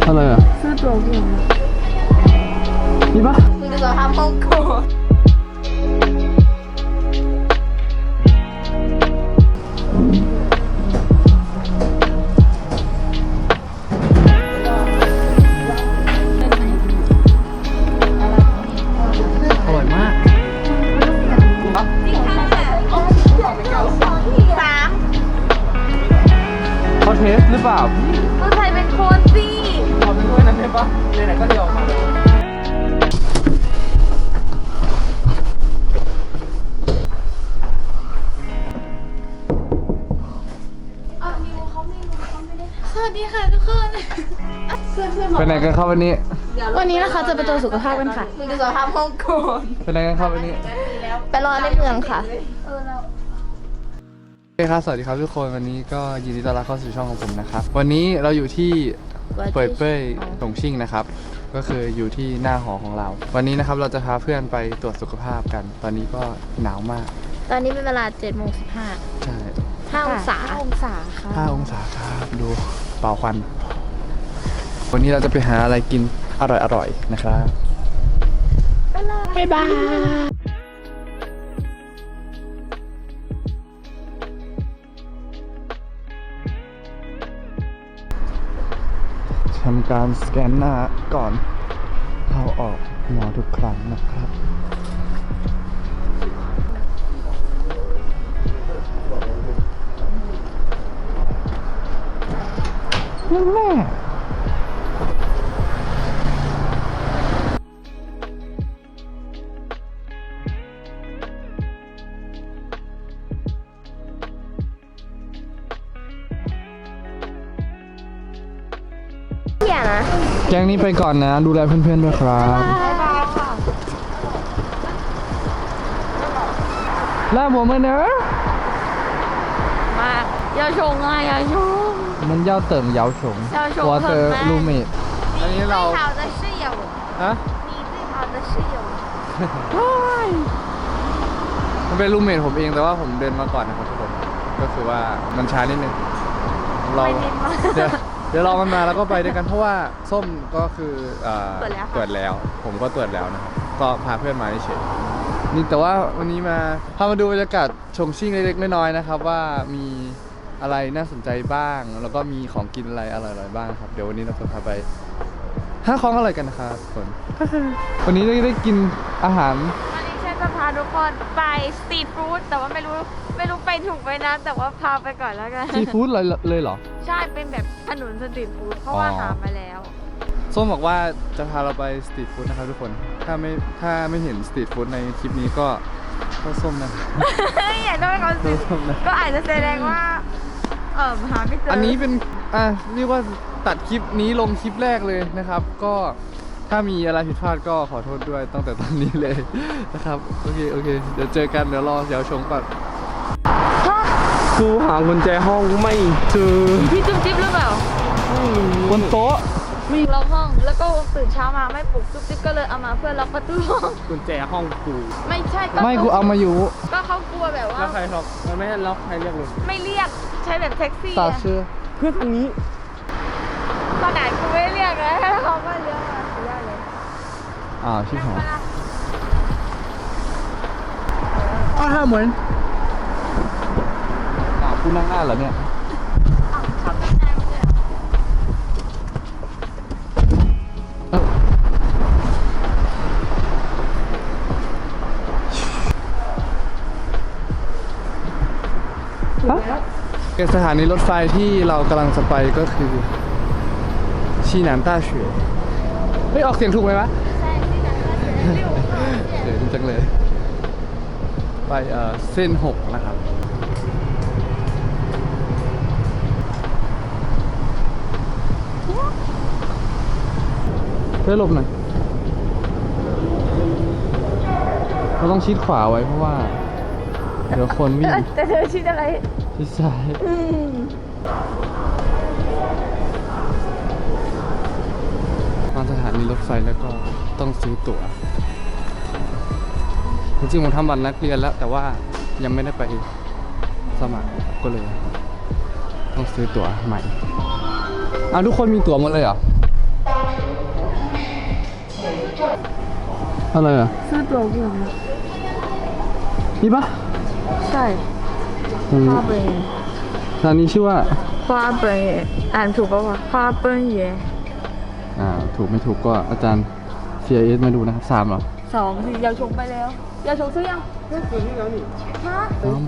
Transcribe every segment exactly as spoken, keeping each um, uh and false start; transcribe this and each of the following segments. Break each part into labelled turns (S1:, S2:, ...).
S1: อะไรอ่ะซื้อตั๋วกูมีปะมึงจะทำห้องกูอร่อยมากเขาเทสหรือเปล่า
S2: ก็ใครเป็นคนสิ
S1: ขอเป็นด้วยนะเทปปะไหนๆก็เดียวออกมาเลย
S2: สวัสดีค่ะทุกคน
S1: ไปไหนกันครับวันนี้
S2: วันนี้นะคะจะไปตรวจสุขภาพกันค่ะมึงจะสอบทำห้องก่อน
S1: ไปไหนกันครับวันนี้
S2: ไปรอในเมืองค่ะเออเรา
S1: โอเคครับสวัสดีครับทุกคนวันนี้ก็ยินดีต้อนรับเข้าสู่ช่องของผมนะครับวันนี้เราอยู่ที่เป่ยเป้ยตงชิ่งนะครับก็คืออยู่ที่หน้าหอของเราวันนี้นะครับเราจะพาเพื่อนไปตรวจสุขภาพกัน ตอนนี้ก็หนาวมาก
S2: ตอนนี้เป็นเวลาเจ็ดโมงสิบห้า
S1: ใช่
S2: ห้าองศาห้าองศาค่ะ
S1: ห้าองศาครับดูเป่าควันวันนี้เราจะไปหาอะไรกินอร่อยๆนะครับ
S2: บ๊ายบาย
S1: ทำการสแกนหน้าก่อนเข้าออกหมอทุกครั้งนะครับแม่
S2: นะ
S1: แก๊งนี้ไปก่อนนะดูแลเพื่อนๆด้วยครับ
S2: บ๊ายบายค่ะ
S1: ลาผมมาเนอะ
S2: มากยาชงอ่ะยาชง
S1: มันเย้าเติ่งเย้าชงวอเตอร์ลูเมดอันนี้เรา
S2: 最好的室友
S1: ฮะ
S2: 你最好的室友
S1: มันเป็นลูเมดผมเองแต่ว่าผมเดินมาก่อนนะครับทุกคนก็คือว่ามันช้านิดนึงเราเดี๋ยวเดี๋ยวรอมันมาแล้วก็ไปด้วยกันเพราะว่าส้มก็คือตรวจแล้วผมก็ตรวจแล้วนะครับก็พาเพื่อนมาเฉยนี่แต่ว่าวันนี้มาพามาดูบรรยากาศชงชิ่งเล็กๆน้อยๆนะครับว่ามีอะไรน่าสนใจบ้างแล้วก็มีของกินอะไรอร่อยๆบ้างครับเดี๋ยววันนี้เราจะพาไปหาของอร่อยกันนะครับทุกคนวันนี้ได้ได้กินอาหาร
S2: วันนี้ฉันจะพาทุกคนไปสตรีทฟู้ดแต่ว่าไม่รู้ไม่รู้ไปถูกไปนะแต่ว่าพาไปก่อนแล้วกัน
S1: สตรีทฟู้ดเลยเลยเหรอ
S2: ใช่เป็นแบบถนนสตรีทฟู้ดเพราะว่าหามาแล้ว
S1: ส้มบอกว่าจะพาเราไปสตรีทฟู้ดนะครับทุกคนถ้าไม่ถ้าไม่เห็นสตรีทฟู้ดในคลิปนี้ก็ก็ส้มนะ
S2: อยากได้เขาสิก็อาจจะแสดงว่าเออหาไม่เจอ
S1: อันนี้เป็นอ่ะเรียกว่าตัดคลิปนี้ลงคลิปแรกเลยนะครับก็ถ้ามีอะไรผิดพลาดก็ขอโทษด้วยตั้งแต่ตอนนี้เลยนะครับโอเคโอเคเดี๋ยวเจอกันเดี๋ยวรอเดี๋ยวชงก่อนกูหากุญแจห้องไม่เจอ
S2: พี่จุ๊บจิ๊บหรือเปล่า
S1: บนโต๊ะ
S2: มีล็อกห้องแล้วก็ตื่นเช้ามาไม่ปลุกจุ๊บจิ๊บก็เลยเอามาเพื่อล็อกประตูห้อง
S1: กุญแจห้องกู
S2: ไม่ใช่ก็
S1: ไม่กูเอามาอยู่
S2: ก็เขากลัวแบบว่า
S1: แล้วใครล็อกมันไม่ให้ล็อกใครเรียกเลย
S2: ไม่เรียกใช้แบบแท็กซี่
S1: ตาเชื่อเพื่อนทางนี้
S2: ตอนไหนกูไม่เรียกเลยเขาก็เรียกมาเสียเลย
S1: อ้าวชิบหายอ้าวห้าเหมือนอ้าวกูนั่งหน้าเหรอเนี่ยสถานีรถไฟที่เรากำลังจะไปก็คือชีหนานต้าเฉวยไม่ออกเสียงถูกไหมวะ
S2: ใช่ชีหนานต้าเฉวย
S1: เดี๋ยวจังเลยไปเอ่อเส้นหกนะครับเพื่อหลบหน่อยเราต้องชิดขวาไว้เพราะว่าเดี๋ยวคนวิ่ง
S2: แต่เธอชิดอะไร
S1: ชิดซ้ายมาสถานีรถไฟแล้วก็ต้องซื้อตั๋วจริงๆผมทำบัตรนักเรียนแล้วแต่ว่ายังไม่ได้ไปสมัครก็เลยต้องซื้อตั๋วใหม่อ้าวทุกคนมีตั๋วหมดเลยเหรออะไรอ่ะ
S2: ซื้อตัวกู
S1: นี่ปะ
S2: ใช่
S1: อืม
S2: 花本园
S1: ร้านนี้ชื่อว่า
S2: 花本园อ่านถูกปะวะ花本园
S1: อ่า ถูกไม่ถูกก็อาจารย์ ซี ไอ เอส มาดูนะครับสามเหรอ
S2: สองสิยาวชงไปแล้วยาวชงซื้อยังฮะ
S1: อ้าว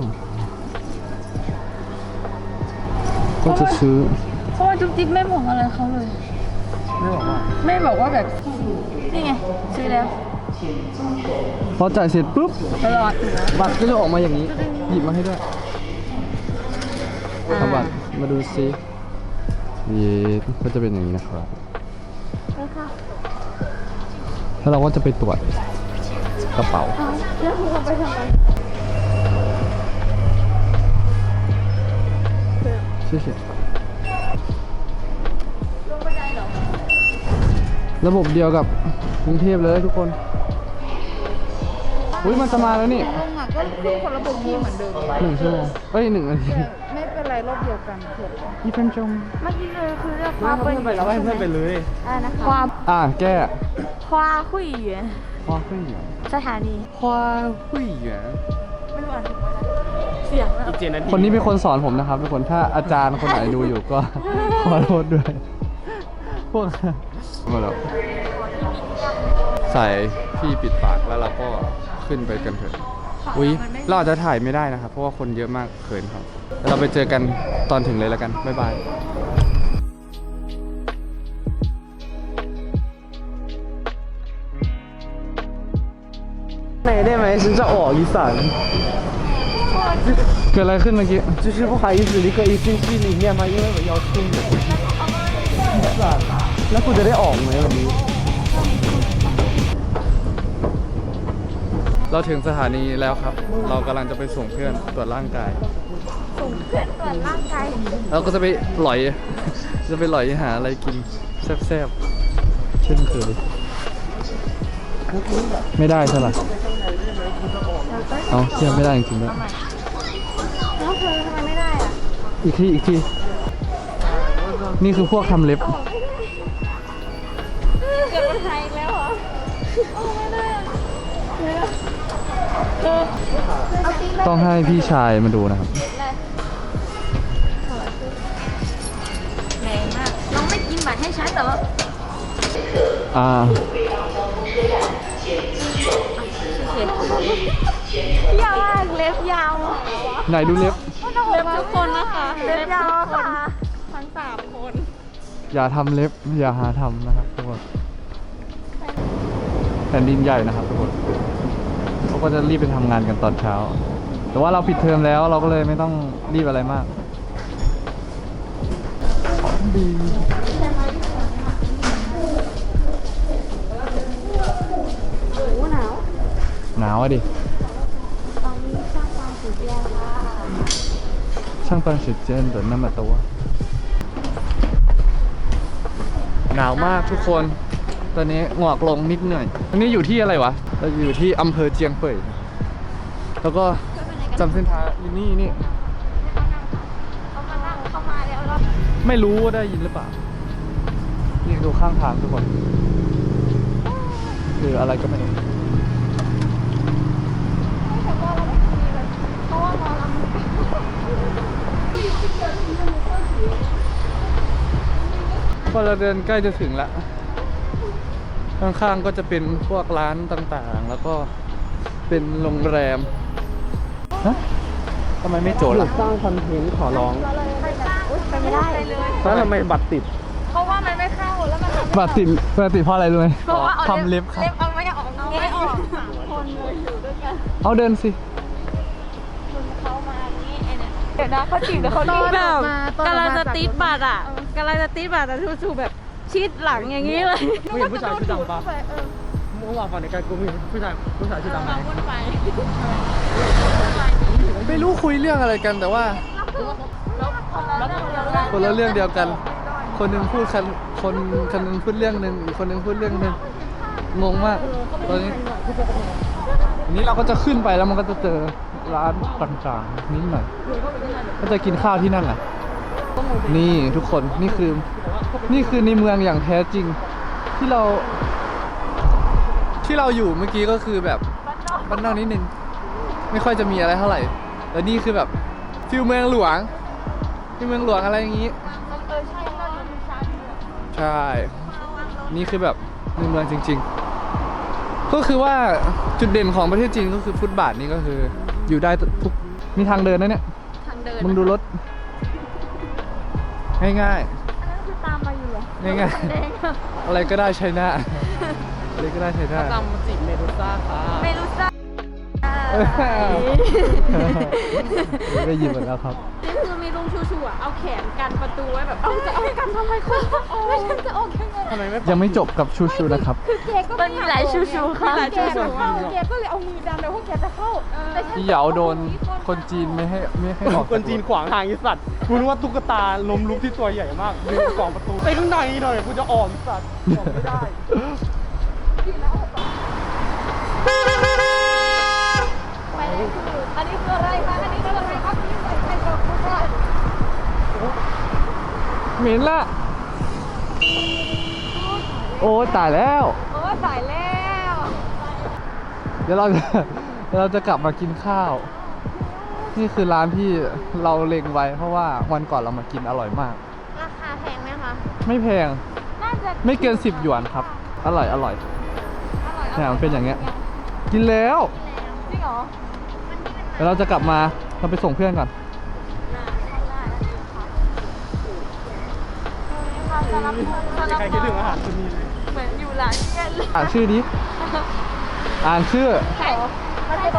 S1: ก็จะซื้อ
S2: เพราะว่าจุ๊บจิ๊บไม่บอกอะไรเขาเลย
S1: ไม่บอกว่า
S2: ไม่บอกว่าแบบ นี่ไง ซื้อแล้ว
S1: พอจ่ายเสร็จปุ๊บ
S2: ตลอด
S1: บัตรก็จะออกมาอย่างนี้ หยิบมาให้ด้วยเอาบัตรมาดูซิเย้ก็จะเป็นอย่างนี้นะครับ แล้วเราก็จะไปตรวจกระเป๋า
S2: แล้วคุณเอาไปทำไม
S1: 谢谢ระบบเดียวกับกรุงเทพเลยทุกคน อุ้ยมันจะมาแล้วนี่
S2: ลงอ่ะก็คือคนระบบที่เหมือนเดิม
S1: หนึ่งชั่วโมงเอ้ยหนึ่งนาที
S2: ไม่เป็นไรรอบเดียวกันถูก
S1: ยี่สิบจง
S2: เมื่อกี้เลยคือเรียกว่าเป็น
S1: ไปแล้วให้เพื่อนไปเลย
S2: อะไรนะคะความ
S1: อ่าแก้
S2: 花会员
S1: 花会员
S2: สถานี
S1: 花会员
S2: ไม่รู้อ่านถูกไหมเสียงแล้ว
S1: คนนี้เป็นคนสอนผมนะครับทุกคน ถ้าอาจารย์คนไหนดูอยู่ก็ ขอโทษด้วย พวกมาแล้วใส่ที่ปิดปากแล้วเราก็ขึ้นไปกันเถอะ อุ๊ย เราอาจจะถ่ายไม่ได้นะครับ เพราะว่าคนเยอะมากเขินครับแล้วเราไปเจอกันตอนถึงเลยแล้วกัน บ๊ายบาย
S3: ไหนได้ไหมฉันจะออกอีสาน
S1: เกิดอะไรขึ้นเมื่อกี้
S3: 就是不好意思离开一进去里面嘛因为我要出门แล้วกูจะได้ออกไหมวันนี้
S1: เราถึงสถานีแล้วครับ เรากำลังจะไปส่งเพื่อนตรวจร่างกาย
S2: ส่งเพื่อนตรวจร่างกาย
S1: เราก็จะไปหลอย จะไปหลอยหาอะไรกินแซ่บๆ เช่นเคย ไม่ได้ใช่ไหมเอาเชื่อไม่ได้จริงๆด้วย
S2: แล้วเธอทำไมไม่ได้อ่ะ
S1: อีกทีอีกที นี่คือพวกทำเล็บ
S2: เกิดปัญหาอีกแล้วเหรอโอ้ไม่ได้อะเออเอาตีไป
S1: ต้องให้พี่ชายมาดูนะครับ
S2: เลยแรงมากน้องไม่กินบัตรให้ฉันแต่ว่า
S1: อ่า
S2: ยาวมากเล็บยาว
S1: ไหนดูเล็บ
S2: เล็บทุกคนนะคะ เล็บยาวค่ะทั้งสามคน
S1: อย่าทำเล็บ อย่าหาทำนะครับทุกคน แผ่นดินใหญ่นะครับทุกคนเขาก็จะรีบไปทำงานกันตอนเช้า แต่ว่าเราปิดเทอมแล้วเราก็เลยไม่ต้องรีบอะไรมากดี
S2: โอ้หนาว
S1: หนาวอะดิ
S2: ตอนนี้ช่างความสุดยอดค่ะ
S1: ช่างตั้ง时间的那么多หนาวมากทุกคน ตอนนี้หงอกลงนิดหน่อยอันนี้อยู่ที่อะไรวะ เราอยู่ที่อำเภอเจียงเป่ย แล้วก็จำเส้นทางอยู่นี่นี่
S2: เขามานั่งเข้ามาแล้วเรา
S1: ไม่รู้ว่าได้ยินหรือเปล่า นี่ดูข้างทางทุกคน คืออะไรก็ไม่รู้
S2: เพราะว่าหมอลำ
S1: พอเราเดินใกล้จะถึงแล้ว ข้างๆก็จะเป็นพวกร้านต่างๆ แล้วก็เป็นโรงแรม ฮะทำไมไม่โจทย์
S3: หยุ
S1: ล่ะ
S3: ดสร้างคอนเทนต์ขอร้อง
S2: ไปไม่ได้เลย
S3: แล้วทำไมบัตรติด
S2: เพราะว่ามันไม่เข้าแล้วมันทำ
S1: บาดติดบาดติดเพราะอะไรรู้ไหม
S2: เพราะว่าเอา
S1: ทำเล็บครับ
S2: เล็บเอาไม่ออกเอาไม่ออกสามคนเลยอยู่ด้วยกัน
S1: เอาเดินสิ
S2: คุณเขามานี่ไอ้เนี่ยเดี๋ยวนะเขาจีบแต่เขาจีบแบบกำลังจะติดบัตรอ่ะกำลังจะติดบัตรแต่ทูๆแบบชิดหลังอย่างนี้เลย
S3: ไม่เห็นผู้ชายชื่อดังปะเมื่อวานฝันในการกูมีผู้ชายผู้ชายชื่อดังไหม
S2: วนไป
S1: ไม่รู้คุยเรื่องอะไรกันแต่ว่า คนละเรื่องเดียวกัน คนหนึงพูดคันคนคนหนึงพูดเรื่องหนึ่งอีกคนหนึงพูดเรื่องหนึ่งงงมาก ตอนนี้อันนี้เราก็จะขึ้นไปแล้วมันก็จะเจอร้านต่างๆนิดหน่อย ก็จะกินข้าวที่นั่นแหละ นี่ทุกคนนี่คือ นี่คือในเมืองอย่างแท้จริง ที่เราที่เราอยู่เมื่อกี้ก็คือแบบบ้านนอกนิดนึงไม่ค่อยจะมีอะไรเท่าไหร่แล้วนี่คือแบบฟิลเมืองหลวงฟิลเมืองหลวงอะไรอย่างงี้
S2: เออใช่เราดูมีชาร์จด้วย
S1: ใช่ นี่คือแบบในเมืองจริงๆ ก็คือว่าจุดเด่นของประเทศจีนก็คือฟุตบาทนี่ก็คืออยู่ได้ทุกมีทางเดินนะเนี่ย
S2: ทางเดิน
S1: มึงดูรถ ง่าย
S2: อันนั้นคือตามมาอยู่เหรอ
S1: ง่ายๆ
S2: แดงอะ
S1: ๆ อะไรก็ได้ใช้หน้า อะไรก็ได้ใช้หน้า
S3: จำมาจีบเมดูซ่าค่ะ
S2: ไม่รู้จัก
S1: ได้ยินหมดแล้วครับ
S2: นี่คือมีลุงชูชูอ่ะเอาแขนกันประตูไว้แบบเอาจะเอากันทำไมคุณไม่ฉันจะออกยังไง
S3: ทำไมไม่
S1: ยังไม่จบกับชูชูนะครับ
S2: คือแกก็มันมีหลายชูชูค่ะ
S3: หลายชูชู
S2: แกเข้าแกก็เลยเอามือดันเลยว่าแกจะเข้าแต่ฉัน
S1: อีเหยาโดนคนจีนไม่ให้ไม่ให้ออก
S3: คนจีนขวางทางไอีสัตว์กูนึกว่าตุ๊กตาลมลุกที่ตัวใหญ่มากยืนกล่องประตูไปข้างในหน่อยกูจะออกไอ้สัตว์ออกไม่ได้
S2: ไปเลยคืออันนี้คืออะไรคะอันนี้คืออะไรครับอันนี้ใส่ใส่กรอบคุณว่า
S1: เหม็นละ โอ้ตายแล้ว
S2: โอ้สายแล้ว
S1: เดี๋ยวเราจะเดี๋ยวเราจะกลับมากินข้าว นี่คือร้านที่เราเล็งไว้ เพราะว่าวันก่อนเรามากินอร่อยมาก
S2: ราคาแพงไหมคะ
S1: ไม่แพง
S2: น่าจะ
S1: ไม่เกินสิบหยวนครับ อร่อยอร่อย
S2: อร่อย
S1: เนี่ยมันเป็นอย่างเงี้ย กินแล้ว
S2: จริงเหรอ
S1: เดี๋ยวเราจะกลับมาเราไปส่งเพื่อนก่อน
S3: ใครคิดถึงอาหารคนนี้เลย
S2: เหมือนอยู่ร้านเย็นเลย
S1: อ่านชื่อดิ อ่านชื่อ
S2: ใช่มันจะ
S1: ได้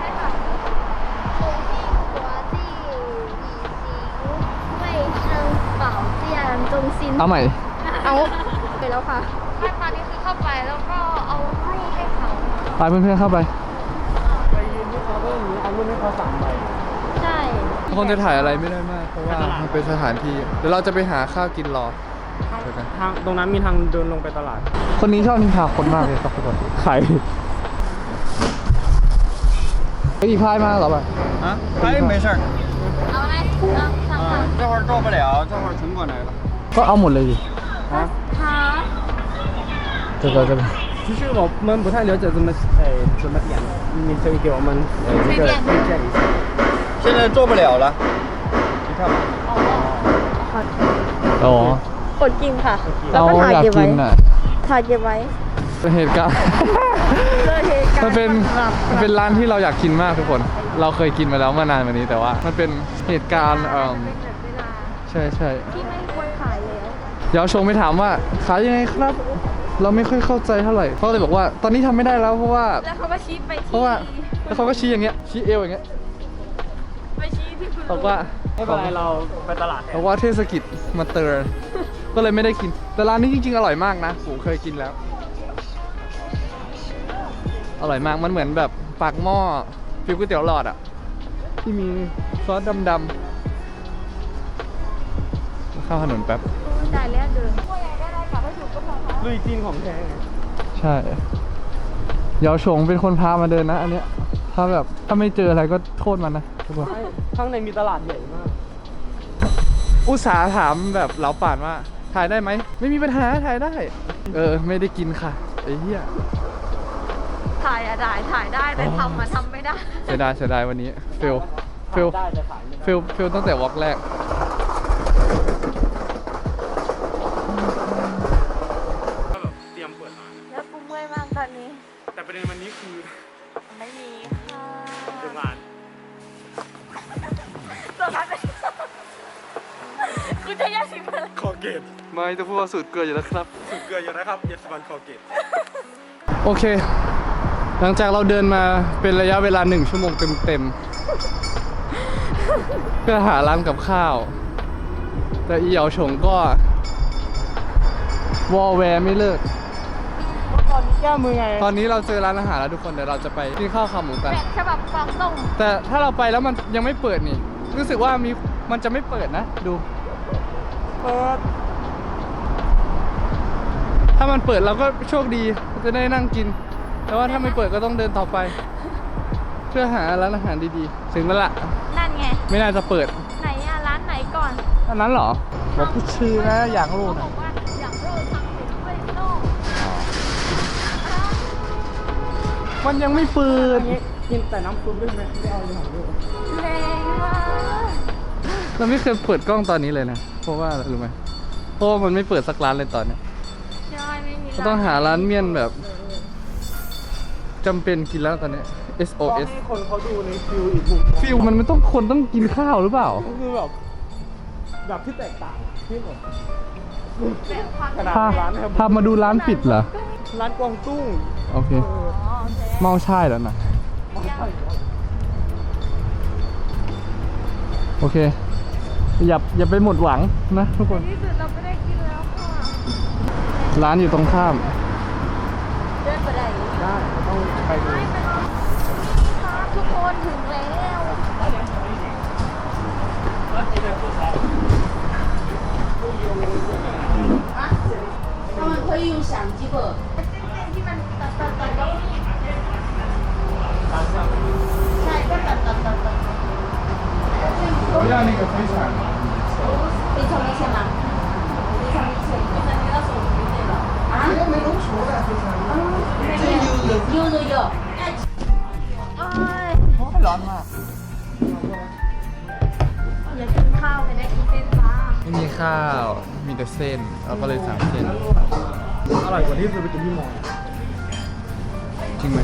S1: เอาใหม่
S2: เอาไปแล้วค่ะขั้นตอนนี้คือเข้าไปแล้วก็เอารูปให้เขา
S1: ไปเพื่อนๆเข้าไป
S3: ไปยืนที่เคาน์เตอร์นี้เอารุ่นให้เขาสามใบ
S2: ใช่
S1: ทุกคนจะถ่ายอะไรไม่ได้มาก เพราะว่ามันเป็นสถานที่ เดี๋ยวเราจะไปหาข้าวกินรอเจอกัน
S3: ทางตรงนั้นมีทางเดินลงไปตลาด
S1: คนนี้ชอบนินทาคนมากเลยครับทุกคนใครเฮ้ยอีพายมาเหรอป่ะ
S4: 啊，哎，没事儿，
S2: เอาอะไรเอาสั่งสั่ง
S4: 啊，这会儿到不了，这会儿全过来了。
S1: ก็เอาหมดเลยดิ
S4: 啊，
S2: หา
S1: เจะก็จะ
S3: 其实我们不太了解怎么哎怎么点，你可以给我们呃一个推荐一下。
S4: 现在做不了了，你看吧。
S1: อ๋อ
S2: กดกินค่ะ แล้ว
S1: เรา
S2: ก็ถ่าย
S1: อยาก
S2: เก็บไว้
S1: กินอ่ะ
S2: ถ่ายเก็บไว้
S1: เป็นเหตุการณ์
S2: เจอเหตุการณ์
S1: มันเป็นมันเป็นร้านที่เราอยากกินมากทุกคน เราเคยกินมาแล้วเมื่อนานมานี้แต่ว่า มันเป็นเหตุการณ์เอ่อ
S2: เป็นแบบเวลา
S1: ใช่ใช่
S2: ที่ไม่ควรขายแล้ว
S1: เดี๋ยวชงไปถามว่าขายยังไงครับ เราไม่ค่อยเข้าใจเท่าไหร่เขาเลยบอกว่าตอนนี้ทำไม่ได้แล้วเพราะว่า
S2: แล้วเขาก็ชี้ไป
S1: เพ
S2: ที่
S1: ราะว่าแล้วเขาก็ชี้อย่างเงี้ยชี้เอวอย่างเงี้ย
S2: ไปชี้ที่คุณ
S1: บอกว่า
S3: ไม่เป็นไรเราไปตลาดแท
S1: บ
S3: น
S1: อกว่าเทศกิจมาเตือนก็เลยไม่ได้กิน แต่ร้านนี้จริงๆอร่อยมากนะผมเคยกินแล้ว อร่อยมากมันเหมือนแบบปากหม้อฟิวก๋วยเตี๋ยวหลอดอะที่มีซอสดำๆเข้าถนนแป๊บ
S2: จ่ายแล้วเดินพวกยังได้ได้กลับให้ถูกก็พอค่ะ
S3: ลุยจีนของแท้
S1: ใช่เยาวชงเป็นคนพามาเดินนะ อันเนี้ยถ้าแบบถ้าไม่เจออะไรก็โทษมันนะทุกคน
S3: ข้างในมีตลาดใหญ่มาก
S1: อุตสาห์ถามแบบเหลาป่านว่าถ่ายได้ไหมไม่มีปัญหาถ่ายได้ เออไม่ได้กินค่ะไอ้เหี้ย
S2: ถ่ายอะได้ถ่ายได้แต่ทำอะทำไม่ได้
S1: เสียดายเสียดายวันนี้เฟลเฟล
S3: ได้แต่ขายไม่ได้
S1: เฟลเฟลตั้งแต่วอล์กแรก
S3: ก็แบบเตรียมเปิดร้าน
S2: แล้วกูเมื่อยมากตอนนี้
S3: แต่ประเด็นวันนี้คือ
S2: ไม่มีค่ะ
S3: เดินงาน
S2: สวัสดีกูจะแยกสิบเลย
S3: คอเกต
S1: ไม่จะพูดว่าสูตรเกลืออยู่แล้วครับ
S3: สุดเกลืออยู่นะครับเยสบันคอเกต
S1: โอเค หลังจากเราเดินมาเป็นระยะเวลาหนึ่งชั่วโมงเต็มๆ เพื่อหาร้านกับข้าว แต่อีเหยาฉงก็ วอลแวร์ไม่เลิก
S3: ตอนนี้แก้มือไง
S1: ตอนนี้เราเจอร้านอาหารแล้วทุกคน เดี๋ยวเราจะไปกินข้าวขาหมูกัน
S2: แบบฉบับกวางตุ้ง
S1: แต่ถ้าเราไปแล้วมันยังไม่เปิดนี่ รู้สึกว่ามีมันจะไม่เปิดนะ ดู
S3: เปิด
S1: ถ้ามันเปิดเราก็โชคดีจะได้นั่งกิน แต่ว่าถ้าไม่เปิดก็ต้องเดินต่อไป เพื่อหาร้านอาหารดีๆ ถึงแล้วล่ะ
S2: นั่นไง
S1: ไม่น่าจะเปิด
S2: ไหนอะร้านไหนก่อน
S1: อันนั้นเหรอบอกพูดชื่อนะอยากรู้
S2: เขาบ
S1: นะ
S2: อกว่าอย่างโรยทำเป็นเว้ยโน่
S1: มันยังไม่เปิด
S3: กินแต่น้ำซุปได้ไหมไม่เอาเลยหรอลูก
S2: แรงมาก
S1: เราไม่เคยเปิดกล้องตอนนี้เลยนะ เพราะว่าอะไรรู้ไหมเพราะว่ามันไม่เปิดสักร้านเลยตอนเนี้ย
S2: ใช่ไม่มี
S1: เราต้องหาร้านเมี่ยนแบบจำเป็นกินแล้วตอนเนี้ย เอส โอ
S3: ต้อง
S1: เอส
S3: ให้คนเขาดูในฟิลอีกมุม
S1: ฟิลมันไม่ต้องคนต้องกินข้าวหรือเปล่า
S3: ก็คือแบบแบบที่แตกต่างที่แบบขนาด
S1: พา
S3: ร้านนะครับ
S1: พามาดูร้านปิดเหรอ
S3: ร้านกวางตุ้ง
S1: โอเค
S2: อ๋อโอเค
S1: เมาใช่แล้วนะ โอเค อย่าอย่าไปหมดหวังนะทุกคน
S2: ที่สุดเราไม่ได้กินแล้วค่ะ
S1: ร้านอยู่ตรงข้าม
S2: เดินไปไหน
S3: ได้ต้องไปดู
S2: ไม่เป็นไรทุกคนถึงแล้ว
S5: 他们可以用相机不？
S2: ที่มันตัดตัดตัดแล้วนี่
S5: 下一个哒哒哒哒。
S1: 要那个飞船。
S5: 非常明显吗？非常明显。啊？没弄出来非常。有有有。
S2: เอ้ย
S1: ร้อนมาก
S2: อยากกินข้าวแต่ได้กินเส้นปลา
S1: ไม่มีข้าว มีแต่เส้น เราก็เลยสั่งเส้น
S3: อร่อยกว่าที่เคยไปกินที่มอ
S1: จริงไหม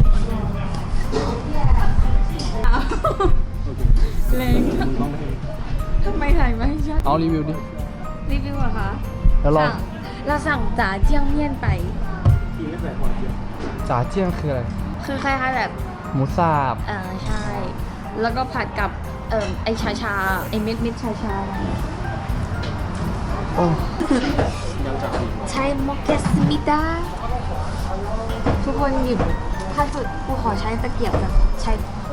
S2: แรง
S3: มึงต้องให้
S2: ทำไมถ่ายไม่ใช่
S1: เอารีวิวดิ
S2: รีวิวเหรอคะ
S1: แล้วลอง
S2: สั่งเราสั่งจ๋าเจียงเมี่ยนไป
S3: กินไม่ใส่หัวเจียว
S1: จ่าเจี้ยงคืออะไร
S2: คือคล้ายๆแบบ
S1: หมูสับ
S2: เออใช่ แล้วก็ผัดกับเอ่อไอชาชาไอเม็ดเม็ดชาชา
S1: โอ้
S2: ใช่มอกเกสมิดาทุกคนหยิบถ้าสุดกูขอใช้ตะเกียบแบบใช้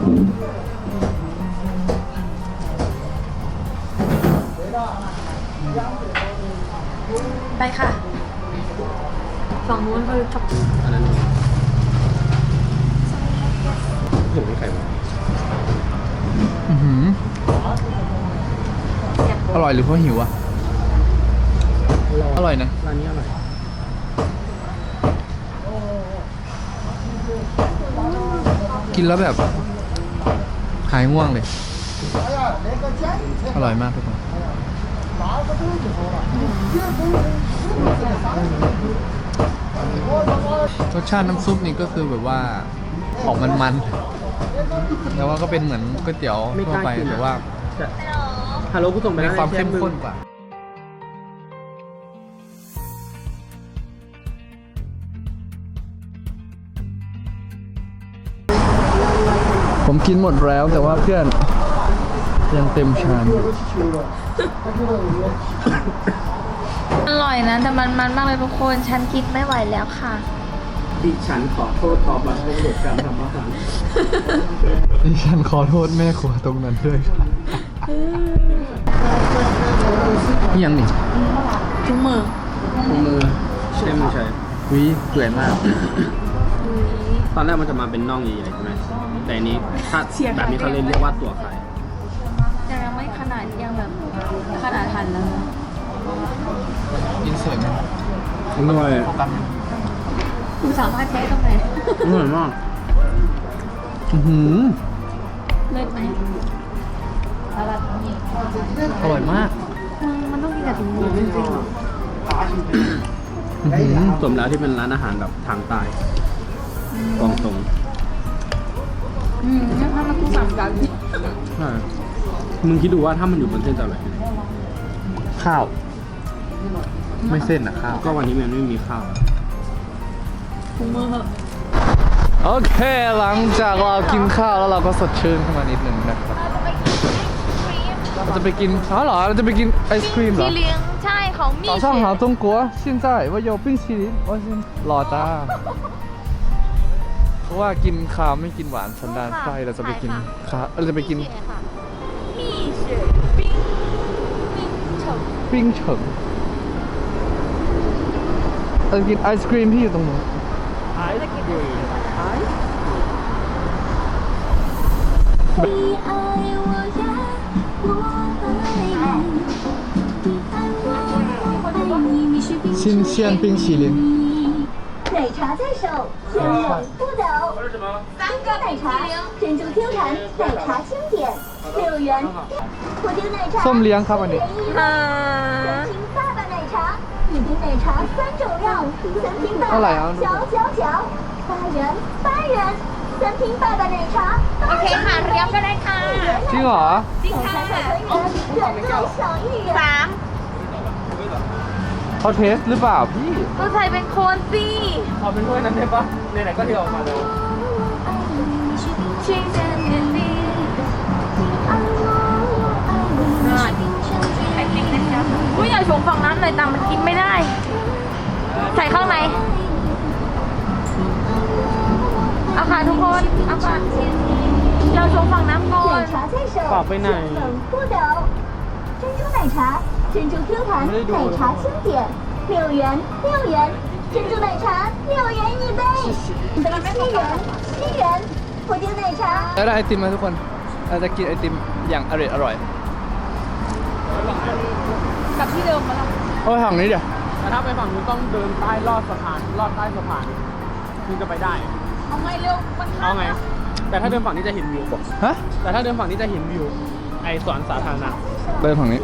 S2: ไปค่ะ ฝั่งนู้นเขาชอบ
S3: อันนั้นเห็นไหมไข่มา
S1: อื้อหืออร่อยหรือเพราะหิวอ่ะ อร่อยนะ
S3: ร้านนี้อร่อย
S1: กินแล้วแบบ หายง่วงเลย อร่อยมากทุกคนรสชาติน้ำซุปนี่ก็คือแบบว่าออกมันๆแต่ว่าก็เป็นเหมือนก๋วยเตี๋ยวทั่วไปแต่ว่า
S3: แต่ฮัลโหลกูส่งไป
S1: มี
S3: แล้ว
S1: ความเข้มข้นกว่า ผมกินหมดแล้วแต่ว่าเพื่อนยังเต็มชามอยู่
S2: อร่อยนะ แต่มันมันมากเลยทุกคน ฉันกินไม่ไหวแล้วค่ะ
S3: ดิฉันขอโทษตอบรับในบทการทำอาหาร
S1: ดิฉันขอโทษแม่ครัวตรงนั้นด้วยนี่ยังนี่
S2: ทุกมือ
S3: มือใช่ไม่ใช่
S1: วิเปื่อยมาก
S3: ตอนแรกมันจะมาเป็นน่องใหญ่ๆใช่ไหมแต่อันนี้ถ้าแบบนี้เขาเลยเรียกว่าตัวไข่
S2: ยังไม่ขนาดยังแบบขนาดทันแล้วนะ
S1: กินเสร็จไหม
S3: อร่อย
S1: โฟกัส
S2: คุณสามารถใช้ตรงไหน
S3: อร่อยมาก
S1: อื้อหือ
S2: เลิศไหมอะไร
S1: อร่อยมาก
S2: มันต้องกินกับถุงมือจริงๆเหรอ
S1: อื้อหือ
S3: สมแล้วที่เป็นร้านอาหารแบบทางใต้กองตรง
S2: อืมงั้นถ้ามันคู่สามกัน
S3: ใช่มึงคิดดูว่าถ้ามันอยู่บนเส้นจะอร่อยไหม
S1: ข้าว ไม่เส้นอะข้าว
S3: ก็วันนี้มันไม่มีข้าว
S2: ถุงมือเหอะ
S1: โอเค หลังจากเรากินข้าวแล้วเราก็สดชื่นขึ้นมานิดหนึ่งนะครับ เราจะไปกินอ๋อเหรอ เราจะไปกินไอศครีมเหรอ
S2: ที่เลี้ยงใช่ของมี
S1: 早上好，中国！现在我有冰淇淋，我先รอจ้า เพราะว่ากินข้าวไม่กินหวานสันดานไส้เราจะไปกินข้าวเราจะไปกิน
S2: มี雪冰冰城
S1: ปิ้งเฉิงเราจะกินไอศครีมที่อยู่ตรงนู้น
S3: ไอศกรีม
S5: 你爱我呀，我爱你，你爱我，我爱你，你是冰淇淋。
S1: 新鲜冰淇淋
S5: 哪
S6: 奶茶在手，先冷不抖。珍珠奶茶，珍珠 Q 弹，奶茶经典，六元。布丁奶茶，
S1: ส้มเลี้ยงครับอันนี้
S2: อ่า
S6: 三瓶爸爸奶茶，一瓶奶茶三种料，三瓶爸
S1: เท่าไหร่
S6: 爸
S1: อ่ะ
S6: 嚼嚼嚼，八元八元，三瓶爸爸奶茶。
S2: โอเคค่ะเรียบก็ได้ค่ะ
S1: จริงเหรอ
S2: จริงค่ะ
S6: 原来小一元。
S2: สาม
S1: เขาเทสหรือเปล่าพี่
S2: ก็ใส่เป็นโคนสิ
S3: เอาเป็นถ้วยนั้นได้ปะไหนๆก็เทออกมาแล้ว
S2: ชิงเจนเจนดีกูอยากชงฝั่งนั้นเลยแต่มันกินไม่ได้ ใส่ข้างในเอาค่ะทุกคนเอาค่ะเราชงฝั่งน้ำก่อน
S6: 奶茶在手，
S3: ฝากไปไหน
S6: 先冷不抖。珍珠奶茶，珍珠 Q 弹，奶茶经典，六元六元，珍珠奶茶六元一杯，一杯七元七元，布丁奶茶。
S1: แล้วได้ไอติมไหมทุกคนเราจะกินไอติมอย่างอร่อยอร่อย
S2: กลับที่เดิมมาแล้ว
S1: เอาไปฝั่งนี้เดี๋ยว
S3: แต่ถ้าไปฝั่งนู้นต้องเดินใต้ลอดสะพานลอดใต้สะพานถึงจะไปได้
S2: เอาไงเร็วมัน
S3: เอาไง แต่ถ้าเดินฝั่งนี้จะเห็นวิว
S1: ฮะ
S3: แต่ถ้าเดินฝั่งนี้จะเห็นวิว ไอสวนสาธารณะ
S1: เดินฝั่งนี้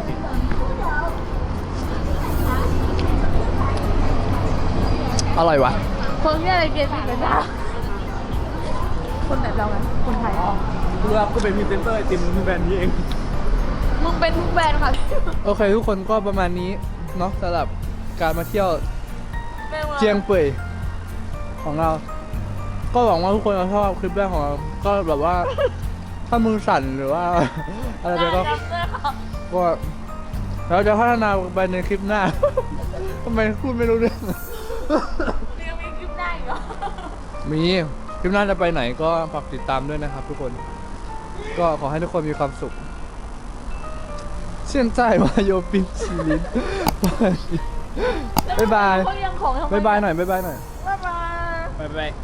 S1: อร่อยวะ
S2: คนที่อะไรเปลี่ยนสีเป็นดาคนแบบเราไงคนไทย
S3: เพื่อก็เป็นพรีเซนเตอร์ไอติมแบรนด์นี้เอง
S2: มึงเป็นทุกแบรนด์ค่ะ
S1: โอเคทุกคนก็ประมาณนี้เนาะสำหรับการมาเที่ยวเจียงเป่ยของเรา ก็หวังว่าทุกคนจะชอบคลิปแรกของเรา ก็แบบว่า ถ้ามือสั่นหรือว่า อะไรไปก็ก็เราจะพัฒนาไปในคลิปหน้า ทำไมพูดไม่รู้เรื่อง
S2: ยังมีคลิปได้เหรอ
S1: มีคลิปหน้าจะไปไหนก็ฝากติดตามด้วยนะครับทุกคน ก็ขอให้ทุกคนมีความสุข现在มาโยปินชีลินบ๊ายบาย
S2: เขายังของทำไม
S1: บ๊ายบายหน่อยบ๊ายบายหน่อย
S2: บ๊ายบาย
S3: ไปไป